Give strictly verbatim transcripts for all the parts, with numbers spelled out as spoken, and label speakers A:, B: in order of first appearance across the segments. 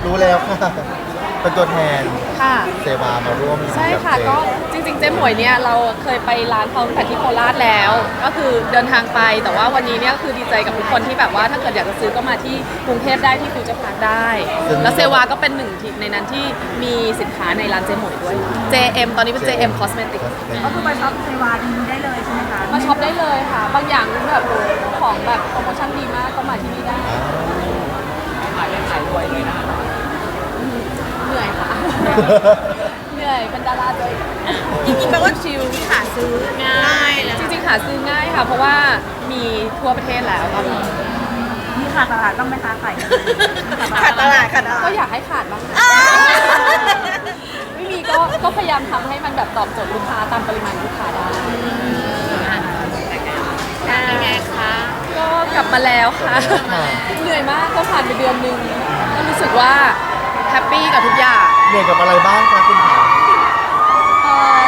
A: รู้แล้วค่ะเป็นตัวแทน
B: ค่ะ
A: เซวามาร่วม
B: ใช่ค่ะ
A: บเจ
B: ก็จริงๆเจ๊หมวยเนี่ยเราเคยไปร้านเขาตั้งแต่ที่โคราชแล้ว ก็คือเดินทางไปแต่ว่าวันนี้เนี่ยคือดีใจกับทุกคนที่แบบว่าถ้าเกิดอยากจะซื้อก็มาที่กรุงเทพได้ที่ฟิวเจอร์พาร์คได้ แล้วเซวาก็เป็นหนึ่งที่ในนั้นที่มีสินค้าในร้านเจ๊หมวยด้วย เจ เอ็ม ตอนนี้เป็น เจ เอ็ม Cosmetics
C: ก็คือไปช็อปเซวาดีได้เลยใช่ไหมคะ
B: มาช็อปได้เลยค่ะ บางอย่างแบบของแบบโปรโมชั่นดีมากก็มาที่นี่ได้ขายได้ขายรวยเลยนะเหนื่อยค่ะ เหนื่อยเป็นดาราด้วย
C: จริงๆแปลว่าชิลที่หาซื้อง่ายเลย
B: จริงๆหาซื้อง่ายค่ะ เพราะว่ามีทั่วประเทศแล้วตอนนี้
C: มีขาดตลาดต้องไหมคะขายขาดตลาดขาดตลาด
B: ก็อยากให้ขาดบ้างนะไม่มีก็ก็พยายามทำให้มันแบบตอบโจทย์ลูกค้าตามปริมาณลูกค้าได้เป็นไงคะก็กลับมาแล้วค่ะ เหนื่อยมากก็ผ่านไปเดือนนึงก็รู้สึกว่าแฮปปี้กับทุกอย่าง
A: เหนื่อยกับอะไรบ้างคะคุณขา
B: เอ่อ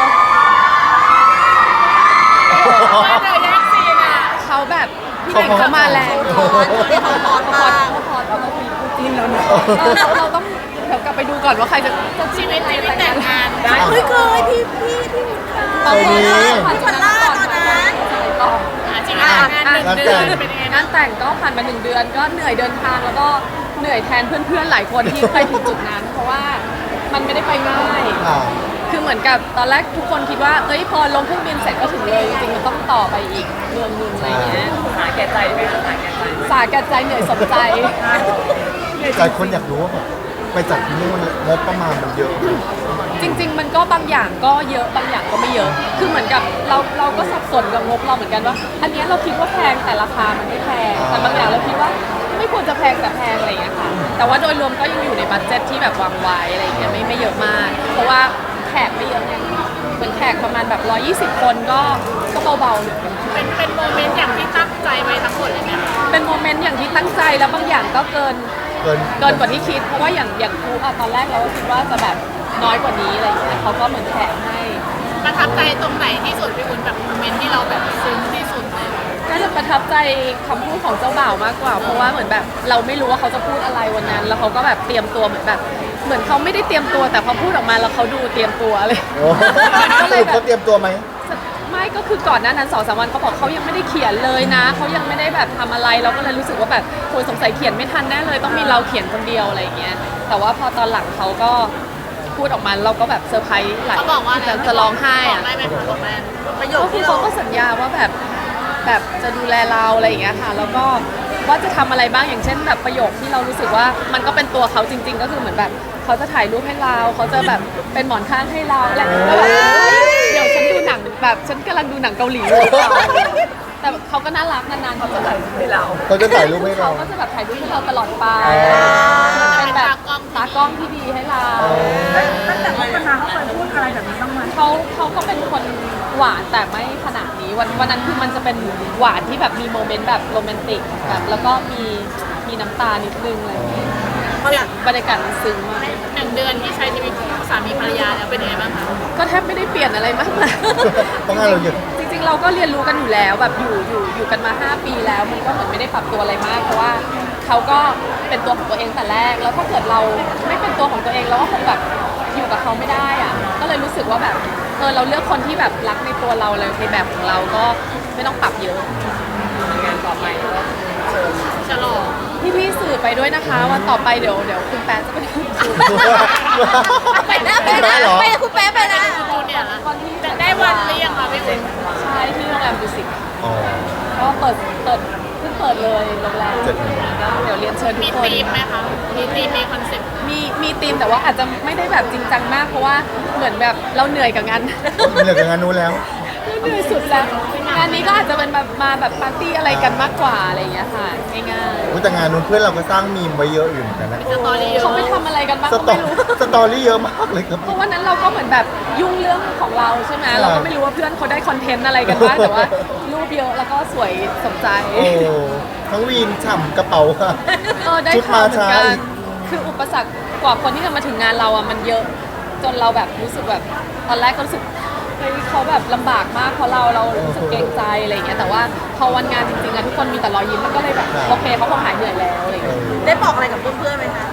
B: เขาแบบพี่เด็กเขามาแรงเขาพอดเขาพอดเขาพอดเราต้องมีคู่จิ้นแล้วเนี่ยเราเราต้องเดี๋ยวกลับไปดูก่อนว่าใครจะจะชีวิตชีวิตแต่งงานได้
C: เฮ้ยเคยพี่พี่พี่
B: ตอนนี้ผ่านจุดนั้นก่อน
C: ตอนนั้น
B: ก็จริงๆงานหนึ่งเดือนเป็นยังไงงานแต่งก็ผ่านมาหนึ่งเดือนก็เหนื่อยเดินทางแล้วก็เหนื่อยแทนเพื่อนๆหลายคนที่ไปถึงจุดนั้น เพราะว่ามันไม่ได้ไปง่าย
A: อ่า
B: คือเหมือนกับตอนแรกทุกคนคิดว่าเอ้ยพอลงเครื่องบินเสร็จก็ถึงเลย จริงๆมันต้องต่อไปอีกเมืองหนึงอะไรเงี้ยสาแก่ใจไหมสาแก่ใจสาแก่ใจเหนื่อยสมใจ
A: หลายคนอยากรู้ว่าแบบไปจัดที่นู่นงบประมาณมันเยอะ
B: จริง ๆ มันก็บางอย่างก็เยอะบางอย่างก็ไม่เยอะ คือเหมือนกับเราเราก็สับสนกับงบเราเหมือนกันว่า อันเนี้ยเราคิดว่าแพงแต่ราคามันไม่แพง แต่บางอย่างเราคิดว่าไม่ควรจะแพงแต่แพงอะไรอย่างเงี้ยค่ะ แต่ว่าโดยรวมก็ยังอยู่ในบัดเจ็ตที่แบบวางไว้อะไรอย่างเงี้ยไม่ไม่เยอะมาก เพราะว่าแขกไม่เยอะไงเหมือนแขกประมาณแบบหนึ่งร้อยยี่สิบคนก็ก็เบาๆอยู่
D: เป็นเป็นโมเมนต์อย่างที่ตั้งใจไว้ทั้งหมดเลยไหมคะ
B: เป็นโมเมนต์อย่างที่ตั้งใจแล้วบางอย่างก็เกิน
A: เกิน
B: เกินกว่าที่คิด เพราะว่าอย่างอย่างครูอะตอนแรกเราก็คิดว่าจะแบบน้อยกว่านี้อะไรอย่างเงี้ยเขาก็เหมือนแถมให้
D: ประทับใจตรงไหนที่สุดพี่อุ่นแบบโมเมนต์ที่เราแบบซึ้งที่สุดเลย
B: น่าจะประทับใจคำพูดของเจ้าบ่าวมากกว่า เพราะว่าเหมือนแบบเราไม่รู้ว่าเขาจะพูดอะไรวันนั้น แล้วเขาก็แบบเตรียมตัวเหมือนแบบ เหมือนเขาไม่ได้เตรียมตัวแต่พอพูดออกมาแล้วเขาดูเตรียมตัวเลย
A: โอ้สรุปเขาเตรียมตัวไหม
B: ไม่ก็คือก่อนหน้านั้นสองสามวันเขาบอกเขายังไม่ได้เขียนเลยนะเขายังไม่ได้แบบทำอะไรเราก็เลยรู้สึกว่าแบบโอยสงสัยเขียนไม่ทันแน่เลยต้องมีเราเขียนคนเดียวอะไรอย่างเงี้ยแต่ว่าพอตอนหลังเขาก็พูดออกมาเราก็แบบเซอร์ไพรส์หลาย
D: เขาบอกว่า
B: จะจะร้องไห้
D: บอ
B: อะ
D: กได้ไหมคะบอกได้ประโยค
B: ก็คือ
D: ที่
B: เขา
D: เรา
B: ก็สัญญาว่าแบบแบบจะดูแลเราอะไรอย่างเงี้ยค่ะแล้วก็ว่าจะทำอะไรบ้างอย่างเช่นแบบประโยคที่เรารู้สึกว่ามันก็เป็นตัวเขาจริง ๆ ก็คือเหมือนแบบเขาจะถ่ายรูปให้เราเขาจะแบบเป็นหมอนข้างให้เราอะไรอย่างเงี้ยแล้วแบบเดี๋ยวฉันดูหนังแบบฉันกำลังดูหนังเกาหลีอยู่แต่เขาก็น่ารักนานๆเขาจะถ่ายรูปให้เรา
A: เขาจะถ่ายรูปให้เรา
B: เขาก็จะแบบถ่ายรูปให้เราตลอดไป
A: อ๋อ
B: เป็นแบบตากล้องที่ดีให้เรา
C: ตั้งแต่คบกันมาเขาเคยพูดอะไรแบบนี้บ้างไหม
B: เขาเขาก็เป็นคนหวานแต่ไม่ขนาดนี้วันวันนั้นคือมันจะเป็นหวานที่แบบมีโมเมนต์แบบโรแมนติกแบบแล้วก็มีมีน้ำตานิดนึงอะไรอย่างเงี้ยบรรยากาศมันซึ้งมาก
D: หนึ่งเดือนที่ใช้ชีวิตคู่สามีภรรยาแล้วเป็นยังไงบ้างคะ
B: ก็แทบไม่ได้เปลี่ยนอะไรมากมาย
A: เพราะงานเราเยอะ
B: จริงๆเราก็เรียนรู้กันอยู่แล้วแบบอยู่อยู่อยู่กันมาห้าปีแล้วมันก็เหมือนไม่ได้ปรับตัวอะไรมากเพราะว่าเขาก็เป็นตัวของตัวเองแต่แรกแล้วถ้าเกิดเราไม่เป็นตัวของตัวเองเราก็คงแบบอยู่กับเขาไม่ได้อะก็เลยรู้สึกว่าแบบเออเราเลือกคนที่แบบรักในตัวเราเลยในแบบของเราก็ไม่ต้องปรับเยอะงานต่อไปก็เชิญ
D: ฉลอง
B: พี่พี่ๆสื่อไปด้วยนะคะ วันต่อไปเดี๋ยวเดี๋ยวคุณแป๊ะจะไปทำสื่อ
C: ไปนะไปนะไปคุณแป๊ะไปนะ
D: จูเนี่ยละ
B: วันที่
D: จะได้วันหรือยังคะพี่อุ่น
B: ใช่ที่โรงแรมดูสิต
A: อ๋อ
B: ก็เปิดเปิดเพิ่งเปิดเลยโรงแรม
A: เจ็ดโมง
B: เดี๋ยวเรียนเชิญทุ
D: มี
B: กคน
D: ธีมไหมคะมีธีมมีคอนเซ็ปต์
B: มีมีธีมแต่ว่าอาจจะไม่ได้แบบจริงจังมากเพราะว่าเหมือนแบบเราเหนื่อยกับงาน
A: เหนื่อยกับงานนู้นแล้ว
B: เหนื่อยสุดแล้วงานนี้ก็อาจจะเป็นแบบมาแบบปาร์ตี้อะไรกันมากกว่าอะไรอย่างเงี้ยค่ะง่าย
A: อุ๊ยแต่งานนู้นเพื่อนเราก็สร้างมีมไว้เยอะอยู่เหมือนกันนะ
D: สตอรี่เย
B: ๆ
D: อะ
B: เขาไปทำอะไรกันบ้าง
A: ส
B: ก็
A: ตอ
B: ไม่รู้
A: สตอรี่เยอะมากเลยครับ
B: เพราะวันนั้นเราก็เหมือนแบบยุ่งเรื่องของเราใช่ไหม
A: ใช่
B: เราก็ไม่รู้ว่าเพื่อนเขาได้คอนเทนต์อะไรกันบ้างแต่ว่ารูปเยอะแล้วก็สวยสมใจ
A: โอ้ทั้งวีนฉ่ำกระเป๋าค่ะ
B: เออได้
A: ชุด
B: ข่าว
A: มา
B: เหมือน
A: ช้า
B: กัน
A: อีก
B: คืออุปสรรคกว่าคนที่จะมาถึงงานเราอ่ะมันเยอะจนเราแบบรู้สึกแบบตอนแรกก็รู้สึกเฮ้ยเขาแบบลำบากมากเพราะเราเรารู้สึกเกรงใจอะไรอย่างเงี้ยแต่ว่าพอวันงานจริงๆอะทุกคนมีแต่รอยยิ้มมันก็เลยแบบโอเคเขาคงหายเหนื่อยแล้วอะไรอย่างเงี้ย
C: ได้บอกอะไรกับเพื่อนๆไหมคะ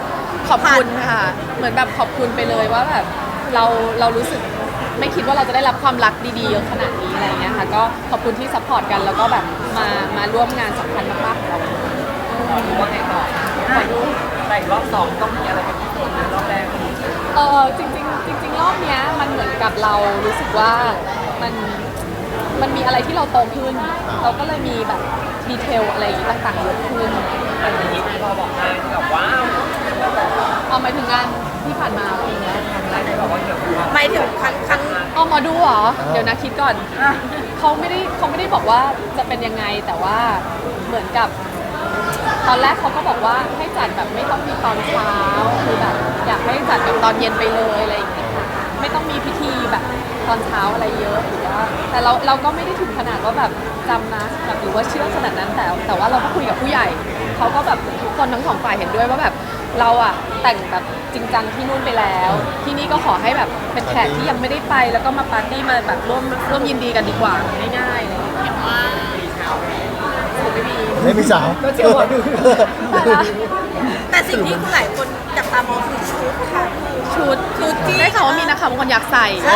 B: ขอบคุณค่ะเหมือนแบบขอบคุณไปเลยว่าแบบเราเรารู้สึกไม่คิดว่าเราจะได้รับความรักดีๆเยอะขนาดนี้อะไรอย่างเงี้ยค่ะก็ขอบคุณที่ซัพพอร์ตกันแล้วก็แบบมามาร่วมงานสำคัญมากๆของเรา
E: ว่าไงต่อขอดูแต่รอบสองต้องมีอะไรเป็นพิเศษในรอบแรก
B: เออจริงๆจริงๆรอบเนี้ยมันเหมือนกับเรารู้สึกว่ามันมันมีอะไรที่เราโตขึ้น เราก็เลยมีแบบดีเทลอะไรอย่างงี้ต่างๆเยอะขึ้น
E: อันนี้พอบอกได้แบบว้าว
B: เอาหมายถึงงานที่ผ่านมาอะไรอย่างเงี้ย
E: ได้ไหมบอกว่าเกี่ยวกับความ
C: หมายถึงครั้งครั้ง
B: เอาหมอดูเหรอเดี๋ยวนะคิดก่อนเขาไม่ได้เขาไม่ได้บอกว่าจะเป็นยังไงแต่ว่าเหมือนกับ ตอนแรกเขาก็บอกว่าให้จัดแบบไม่ต้องมีตอนเช้าคือแบบอยากให้จัดแบบตอนเย็นไปเลยอะไรอย่างเงี้ยค่ะไม่ต้องมีพิธีแบบตอนเช้าอะไรเยอะหรือว่าแต่เราเราก็ไม่ได้ถึงขนาดว่าแบบจำนะแบบหรือว่าเชื่อขนาดนั้นแต่แต่ว่าเราก็คุยกับผู้ใหญ่เขาก็แบบทุกคนทั้งสองฝ่ายเห็นด้วยว่าแบบเราอะแต่งแบบจริงจังที่นู่นไปแล้ว ที่นี่ก็ขอให้แบบเป็นแขกที่ยังไม่ได้ไปแล้วก็มาปาร์ตี้มาแบบร่วมร่วมยินดีกันดีกว่าง่ายๆอะไรอย่างเลย
D: เห็นว่า
B: ไม่มี
A: ไม่มีสาว
B: ก็เชื่อหมอดูแต่ละ
C: แต่สิ่งที่คุณหลายคนจับตามองคือชุดค่ะ
B: ชุดชุดที่ได้ข่าวว่ามีนะคะบางคนอยากใส่
C: เอ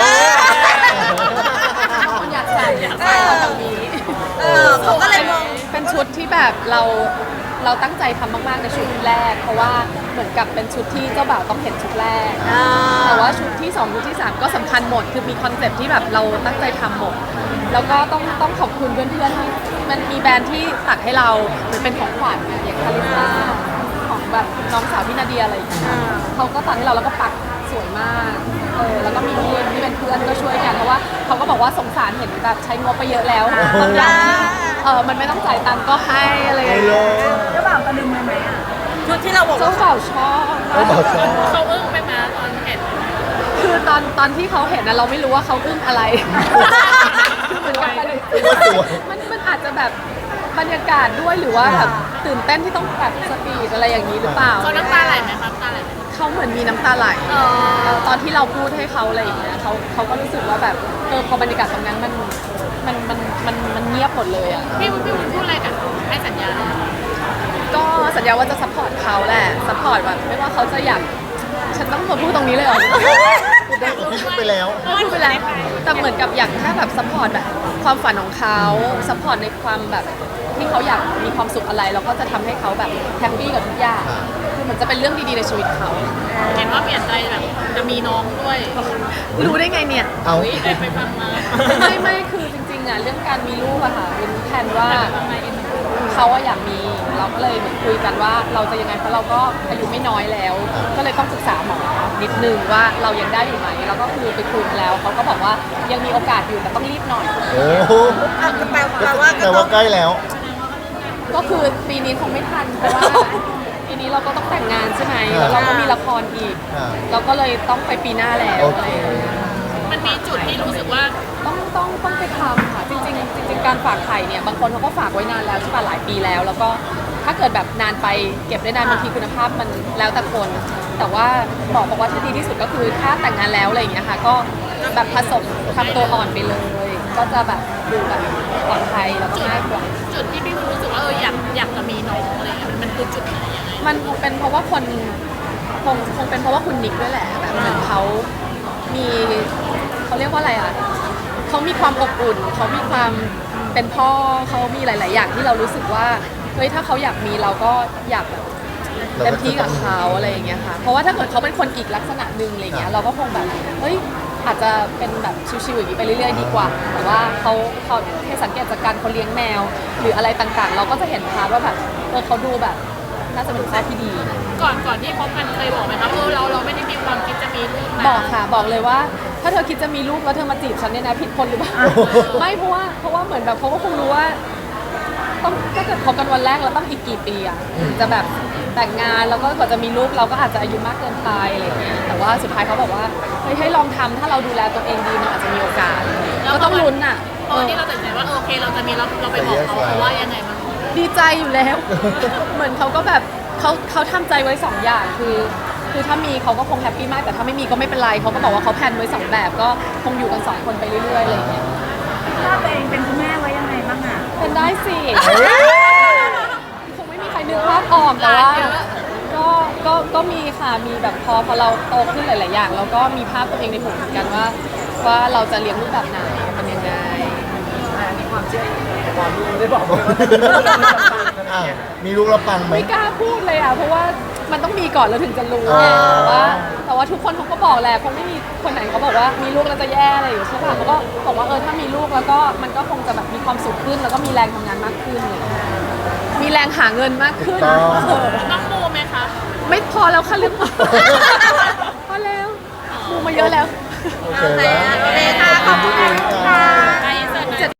C: อ
B: บางคนอยากใส่อยากใส่ตอนนี้
C: เออเขาก็เลยมอง
B: เป็นชุดที่แบบเราเราตั้งใจทำมากๆในชุดแรก เพราะว่าเหมือนกับเป็นชุดที่เจ้าบ่าวต้องเห็นชุดแรก
C: อ่า
B: แต่ว่าชุดที่สองชุดที่สามก็สำคัญหมดคือมีคอนเซ็ปต์ที่แบบเราตั้งใจทำหมดแล้วก็ต้องต้องขอบคุณเพื่อนๆที่มันมีแบรนด์ที่ตัดให้เราเหมือนเป็นของขวัญอะอย่างคาริซ่าของแบบน้องสาวพี่นาเดียอะไรอย่างเงี้ยเขาก็ตัดให้เราแล้วก็ปักสวยมากเออแล้วก็มีพี่ที่เป็นเพื่อนก็ช่วยกันเพราะว่าเขาก็บอกว่าสงสารเห็นแบบใช้งบไปเยอะแล้วบางอย่างที่เออมันไม่ต้องจ่ายตังค์ก็ให้อะไรอย่าง
A: ไม่
B: เงี้ย
A: เลย
C: เจ้าบ่าวตะลึงไหมไหมอ่ะชุดที่เราบอก
B: เจ้า
C: ว่า
B: บ่าวชอบ
A: เขาบอกชอบ
D: เขาอึ้งไปมาตอนเห็น
B: คือตอนตอนที่เขาเห็นนะเราไม่รู้ว่าเขาอึ้งอะไรคือเหมือนกับมันมันมันอาจจะแบบบรรยากาศด้วยหรือว่าแบบตื่นเต้นที่ต้องแบบสปีดอะไรอย่างนี้หรือเปล่า
D: เขาน้ำตาไหลไหมครับน้ำตาไหลไหม
B: เขาเหมือนมีน้ำตาไหลตอนที่เราพูดให้เขาอะไรอย่างเงี้ยเขาเขาก็รู้สึกว่าแบบเออพอบรรยากาศตรงนั้นมันมันมันมันมันเงียบหมดเลยอ่ะ
D: พี่วุ้นพี่วุ้นพูดอะไรกับให้สัญญา
B: ก็สัญญาว่าจะซัพพอร์ตเขาแหละซัพพอร์ตแบบไม่ว่าเขาจะอยากฉันต้องมาพูดตรงนี้เลยเหรอ
A: พูดได้พูดไปแล้ว
B: พูดไปแล้วแต่เหมือนกับอยากแค่แบบซัพพอร์ตแบบความฝันของเขาซัพพอร์ตในความแบบที่เขาอยากมีความสุขอะไรเราก็จะทำให้เขาแบบแฮปปี้กับทุกอย่างคือมันจะเป็นเรื่องดีๆในชีวิตเขา
D: เห็นว่าเปลี่ยนใจแบบจะมีน้องด้วย
B: รู้ได้ไงเนี่ย
A: เอา
D: อุ๊ยได้ไปฟังมา
B: ไม่ไม่คือจริงๆอ่ะเรื่องการมีลูกอะค่ะเป็นแผนว่าเขาอะอยากมีเราก็เลยเหมือนคุยกันว่าเราจะยังไงเพราะเราก็อายุไม่น้อยแล้ว ก็เลยต้องศึกษาหมอนิดนึงว่าเรายังได้อยู่ไหมแล้วก็คือไปคุยมาแล้วเขาก็บอกว่ายังมีโอกาสอยู่แต่ต้องรีบหน่อย
A: โอ้โห
C: อ่ะแปลแปลว่าก็
A: แต่
C: ต้อ
A: ว่าง ใกล้แล้ว
B: ก็คือปีนี้คงไม่ทันเพราะว่าปีนี้เราก็ต้องแต่งงานใช่ไหมแล้วเราก็มีละครอีก
A: อ่า
B: เราก็เลยต้องไปปีหน้าแล้ว
A: โอ
B: อะไร
A: เค
B: อย่างเงี้ย
D: มันมีจุดที่รู้สึกว่า
B: ต้องต้องต้องไปทำค่ะจริงๆจริงๆการฝากไข่เนี่ยบางคนเขาก็ฝากไว้นานแล้วใช่ป่ะหลายปีแล้ว แล้วก็ถ้าเกิดแบบนานไปเก็บได้นานบางทีคุณภาพมันแล้วแต่คน แต่ว่าหมอบอกว่าที่ดีที่สุดก็คือถ้าแต่งงานแล้วอะไรอย่างเงี้ยค่ะก็แบบผสมทำตัวอ่อนไปเลย ก็จะแบบดูแบบปลอดภัยแล้วก็ง่ายกว่า
D: จุดที่พี่วุ้นรู้สึกว่าเอออยากอยากจะมีน้องอะไรเงี้ยมันมันคือจุดไหนยังไง
B: มันคงเป็นเพราะว่าคนคงคงเป็นเพราะว่าคุณนิกด้วยแหละแบบเหมือนเขามีเขาเรียกว่าอะไรอ่ะเขามีความอบอุ่นเขามีความเป็นพ่อเขามีหลาย ๆ อย่างที่เรารู้สึกว่าเฮ้ยถ้าเขาอยากมีเราก็อยากแบบเต็มที่กับเขาอะไรอย่างเงี้ยค่ะเพราะว่าถ้าเกิดเขาเป็นคนอีกลักษณะหนึ่งอะไรเงี้ยเราก็คงแบบเฮ้ยอาจจะเป็นแบบชิวๆอย่างนี้ไปเรื่อย ๆ ดีกว่า แต่ว่าเขาเขาให้สังเกตจากการเขาเลี้ยงแมว หรืออะไรต่างๆ เราก็จะเห็นพาร์ทว่าแบบเออเขาดูแบบน่าจะเป็นพ่อที่ดี
D: ก่อนก่อนที่พบกันเคยบอกไหมครับเออเราเราไม่ได้มีความคิดจะมีลูกนะ
B: บอกค่ะบอกเลยว่า ถ้าเธอคิดจะมีลูกแล้วเธอมาจีบฉันเนี่ยนะผิดคนหรือเปล่า ไม่เพราะว่าเพราะว่าเหมือนแบบเขาก็คงรู้ว่าต้องถ้าเกิดคบกันวันแรกเราต้องอีกกี่ปีอ่ะถึงจะแบบแต่งงานแล้วก็กว่าจะมีลูกเราก็อาจจะอายุมากเกินไปอะไรอย่างเงี้ยแต่ว่าสุดท้ายเขาบอกว่าเฮ้ยให้ลองทำถ้าเราดูแลตัวเองดีมันอาจจะมีโอกาสก็ต้องลุ้นอ่ะ
D: ตอนที่เราตัดสินใจว่าเออโอเคเราจะมีเราเราไปบอกเขาเขาว่ายังไงบ้าง
B: ดีใจอยู่แล้ว เหมือนเขาก็แบบเขาเขาทำใจไว้สองอย่างคือ คือถ้ามีเขาก็คงแฮปปี้มากแต่ถ้าไม่มีก็ไม่เป็นไรเขาก็บอกว่าเขาแพลนไว้สองแบบก็คงอยู่กันสองคนไปเรื่อยๆอะไรอย่างเงี้ย
C: ถ้าตัวเองเป็นคุณแม่ไว้ยังไงบ้างอ่ะ
B: เป็นได้สิ คงไม่มีใครนึกภาพออกแต่ว่าก็ก็ก็ก็มีค่ะมีแบบพอพอเราโตขึ้นหลาย ๆ อย่างเราก็มีภาพตัวเองในหัวเหมือนกันว่า ว่าเราจะเลี้ยงลูกแบบไหนเป็นยังไง
E: อันนี้ความเชื่อแต่ความรู้ได้บอกว่า
A: อ่ะมีลูกแล้วปังไหม
B: ไม่กล้าพูดเลยอ่ะเพราะว่ามันต้องมีก่อนแล้วถึงจะรู้
A: อ่า
B: ไงแต่ว่าแต่ว่าทุกคนเขาก็บอกแหละคงไม่มีคนไหนเขาบอกว่ามีลูกแล้วจะแย่อะไรอยู่ใช่ป่ะเขาก็บอกว่าเออถ้ามีลูกแล้วก็มันก็คงจะแบบมีความสุขขึ้น แล้วก็มีแรงทำงานมากขึ้นอะไรอย่างเลยมีแรงหาเงินมากขึ้น
A: ต้อง
B: เออ
D: ต้องมูไหมคะ
B: ไม่พอแล้วค่ะเรื่องหมอพอแล้วมูมาเยอะแล้ว
A: โอเคแล้ว
C: โอเคค่ะขอบคุณค่ะ